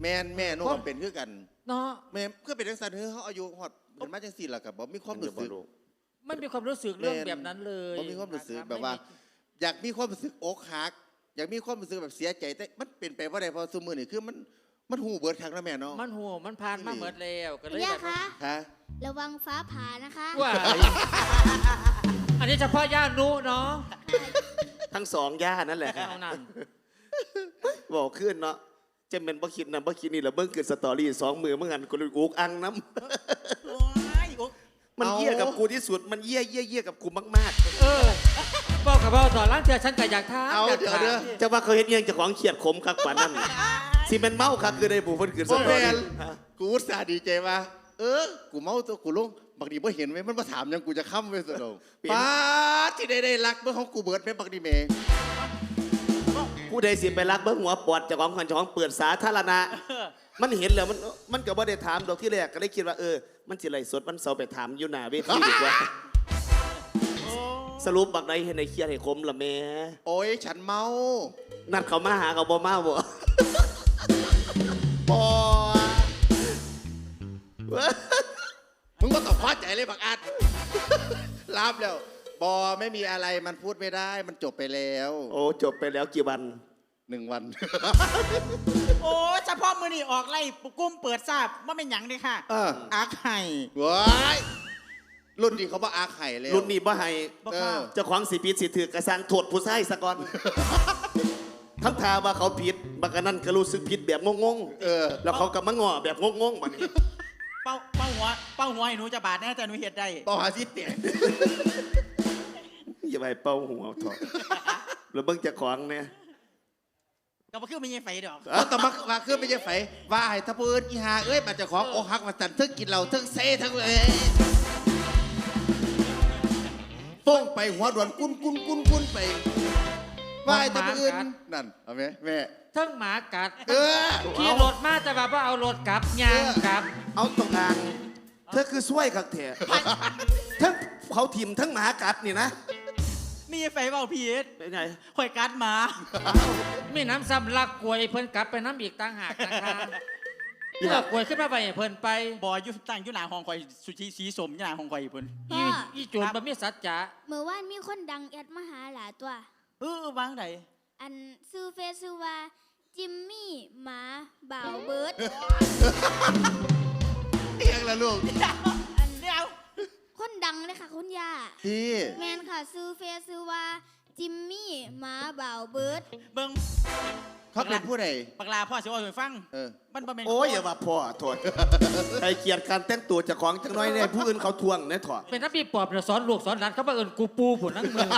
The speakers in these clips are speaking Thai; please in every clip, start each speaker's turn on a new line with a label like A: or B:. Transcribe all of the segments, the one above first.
A: แม่หนูก็เป็นคือกัน
B: เนาะ
A: แม่เพื่อเป็นจังซั่นเฮ้ยเขาอายุฮอดเป็นมาจังซี่ล่ะก็บ่มีความรู้สึก
B: ไม่มีความรู้สึกเรื่องแบบนั้นเลย
A: บ่มีความรู้สึกแบบว่า อยากมีความรู้สึกอกหักอยากมีความรู้สึกแบบเสียใจแต่มันเป็นไปบ่ได้เพราะซุมื้อนี่คือมันหูเบิดครั้งแล้วแม่เนาะ
B: มันหัวมันผ่านมาหมดแล้วก็เลยแบบ
A: ฮะ
C: ระวังฟ้าผ่านะคะ
B: ว่าอันนี้เฉพาะย่านุเนาะ
D: ทั้งสองย่านั่นแหละครับบอกขึ้นเนาะจะเป็นบ่คิดนะบ่คิดนี่แหละเบิ่งเกิดสตอรี่2 มือเมื่อกันกูเลยอุกอังน้ำมันเยี่ยกับกูที่สุดมันเยี่ยกับกูมาก
B: ๆบอกกับพ่อต่อล้างเถื่อฉันก็อยากท้า
A: เอาเดี๋ยว
D: จะว่าเขาเห็นยังจะของเขียดขมคักกว่านั้นสิเป็นเมาคักคือได้ผู้เพิ่นเกิดสตอรี่
A: กูอุตส่าห์ดีใจว่ากูเมาตัวกูลงบางทีบ่เห็นไว้มันมาถามยังกูจะค้ำไว้ซะดอกป้าที่ได้รักเมื่อของกูเบิดแม่บางทีเมย์
D: ผู้ใดสิไปรักเบิ่งหัวปอดเจ้าของคนเจ้าของเปิดสาธารณะมันเห็นแล้วมันก็บ่ได้ถามดอกที่แรกก็ได้คิดว่ามันสิไล่สดมันเสาไปถามอยู่หน้าเวทีดีกว่าสรุปบักใดเห็นในเครียดให้คมละแม่
A: โอ้ยฉันเมา
D: นัดเขามาหาเขาบ่มาบ่
A: ปอมึงก็ต้องพอใจเลยบักอัดรับแล้วบอไม่มีอะไรมันพูดไม่ได้มันจบไปแล้ว
D: โอ้จบไปแล้วกี่วัน
A: 1 วัน
E: โอ้เฉพาะมือนี่ออกไล่กุ้มเปิดทราบว่าเป็นหยังเลยค่ะอาไข่
A: ว้ายรุ่นนี้เขาบอกอาไข่เลย
D: รุ่นนี้บ่ให้เจ้าของสิผิดสิถือกระสังโทษผู้ชายซะก่อนคำถามว่าเขาผิดบักนั้นก็รู้สึกผิดแบบงงๆแล้วเขาก็มาง้อแบบงงๆบัดนี้
E: เป้าหัวให้หนูจะบาดแน่แต่หนูเห็ดได้
A: เป้าหาที่เตี๋ย
D: อย่าไปเป้าหัวถอดแล้วเบิ่งเจ้าของเนี่ย
E: ก็มาขึ้นไม่ใช่ไฟดอก
A: แต่มาขึ้นไม่ใช่ไฟว่าให้ทับปืนอีหามาเจ้าของอกหักมาสั่นทึกกินเหล้าทึกเซ่ทั้งฟ้องไปหัวด่วนกุ้นไปว่าให้ทับปืนนั่นเอาไหมแม่
B: ทั้งหมากัดขี่รถมาแต่แบบว่าเอารถกลับยางกลับ
D: เอาตรงกลางเธอคือช่วยขักเถอะทั้งเขาถิ่มทั้งหมากัดนี่นะ
E: มีไฟเบาพีเอส
D: เป็นไง
E: ข่อยกัดหมา
B: มีน้ำซ้ำลักกวยเพิ่นกลับไปน้ำอีกต่างหากนะคะเลือกกวยขึ้นมาไปเพิ่นไป
E: บ่อยุตั้งยุหนาของข่อยสุชีสีสมยุหนาของข่อยเพิ่น
B: อีโจรบ่มีสัจจะ
C: เมื่อวานมีคนดังแอดมาหาหลาตัว
E: วางไหน
C: อันซื้อเฟซซื้อว่าจิมมี่หมาบ่าวเบิร์ด
A: เอียงละลูก
E: เดี๋ยว
C: คนดังเลยค่ะคุณย่า
A: พี่
C: แมนค่ะซื้อเฟซซื้อว่าจิมมี่หมาบ่าวเบิร์ด
E: เบิ้ง
A: เขาเป็นผู้ใด
E: ปากลาพ่อสิว่าให้ฟัง
D: มันบ่แม่นโอ้ยอย่าว่าพ่อโทษใครเกลียดการแต่งตัวเจ้าของจังน้อยเนี่ยผู้อื่นเขาทวงเนี่ยถอด
B: เป็นนักปีปอบสอนลูกสอนหลานเขาบ่เอิ้นกูปูผุนนั่งมือ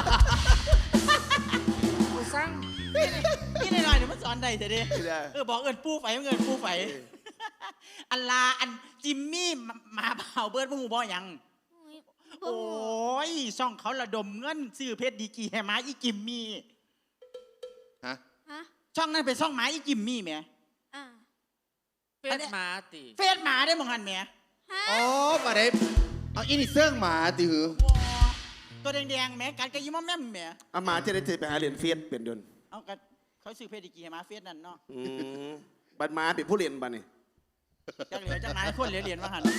B: กูสั่ง
E: นี่หน่อยเดี๋ยวมันสอนได้เถอะดิบอกปูไฟเงินปูไฟอันลาอันจิมมี่มาเผาเบิร์ดผู้บ่ยังโอ้ยช่องเขาระดมเงินซื้อเพชรดีกีแห่หมาอีจิมมี่
A: ฮะ
E: ช่องนั้นเป็นช่องหมาอีจิมมี่ไหม
B: เฟซหมาติ
E: เฟซหมาได้มองหันไหม
A: อ๋อมาได้เอาอินิเซิร์งหมาติหือ
E: ตัวแดงๆแม่กัดกระยิ้มแม่แม่
D: เอาหมาจะได้ไปหาเหรียญเฟซเป็นเดิน
E: เอากันเขาซื้อเพชรดีกีแห่หมาเฟซนั่นเนาะ
D: บัดหมาเป็นผู้เรียนบัดนี่
E: จังเหลือจังไหนคนเหรียญมาหัน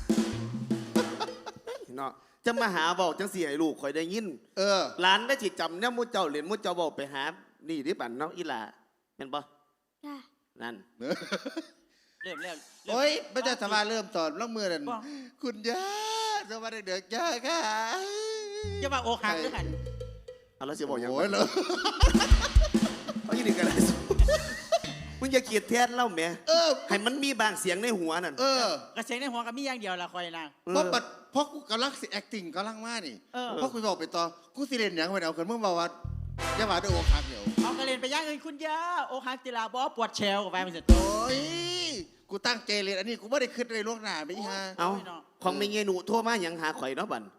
D: เนาะจะมาหาบอกจังสี่ให้ลูกคอยได้ยินหลานได้จิตจำเนี่ยมุเจ้าเหรียญมุเจ้าบอกไปหานี่ที่บันเนาะอีหล่าเป็นปะนั่น
E: เริ่มแล้ว
A: โอ้ยไม่ใช่สมาเริ่มสอนล่องมือนั่นคุณย่าสมาเด็กๆย่าค่ะ
E: จะมาโอคักด้วยกัน
D: เอาแล้วเสียบอกอย่าง
A: โอ้ยเลย
D: เอาอีนี่กันเลยมึงอย่าเกลียดแทนเล่าแม่ให้มันมีบางเสียงในหัวนั่น
E: กระเสียงในหัวก็มีอย่างเดียวละคอยนะ
A: เพราะกูกำลังสิ acting กำลังมานี่เพราะกูบอกไปต่อกูสิเล่นอย่างไปเอาคนเมื่อวานย่าว่าด้วยโอคักเดี๋ยว
E: เอากระเล่นไปย่างเงินคุณย่าโอคักจิลาบอปวดเชลกับไปมันเสร็จ
A: โอ้ยกูตั้งใจเล่นอันนี้กูไม่ได้คิดในล่วงหน้าไปฮะ
D: เอาของไม่เงี้ยหนูโทรมาอย่างหาข่อยเนาะบัน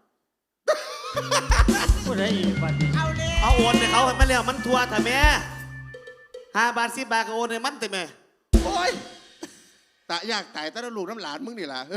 B: พูดได้อีกบัน
D: เอาโอนให้เขามาแล้วมันทัวร์แต่แม่5 บาท10 บาทก็โอนให้มันแต่แม่
A: โอ้ยตายากตายแต่ลูกน้ำหลานมึงนี่ล่ะ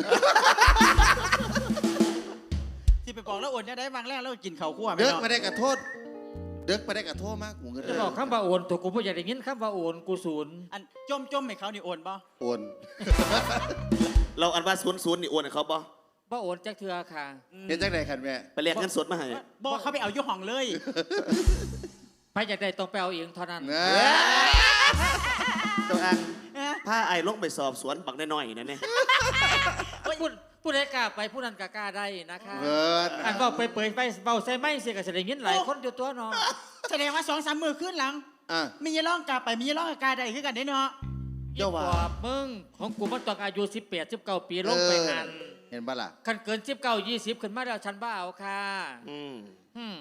E: ที่ไปบอกแล้วโอนเนี่ยได้บางแรกแล้วกินข้าวคั่ว
A: เยอะมาได้กระโทษเด็กไปได้กับโทษมากกูเงิน
B: จะบอกคำว่าโอนตัวกูบ่อยากได้ยินคำว่าโอนกูศูนย์
E: อันจมให้เขานี่โอนบ่
A: โอน
D: เราอันว่าศูนย์นี่โอนให้เขาบ่
B: บ่โอนจักเทือค่ะ
A: เห็นจังไหนคันแม่
D: ไปเรียกเงินสดมาให้
E: บ่เขาไปเอาอยู่ห้องเลย
B: ไปอยากได้ต้องไปเอาเองเท่านั้น
A: นะ
D: ตัวอัง
E: เอ๊ะ
D: พาไอ้ลงไปสอบสวนบักน้อยๆนั่นเนี่ย
B: ผู้ใดกล้าไปผู้นั้นก็กล้าได้นะคะ
A: เบิด
B: อันก็ไปเปิดไปเบาใส่ไม้เสียก็จะได้ยินหลายคนอยู่ตัวเนาะ
E: แสดงว่า2-3 มือขึ้นหลัง
A: อ่ะ
E: มีร้องกาไปมีร้องกาได้คือกันได้เนาะ
A: เจ้าว่า
B: อีปอบมึงของกูมันต้องอายุ18 19 ปีลงไปหัน
A: เห็นปะล่ะ
B: คันเกิน19 20ขึ้นมาแล้วฉันบ้าเอาค่ะ
D: อืม
B: อืม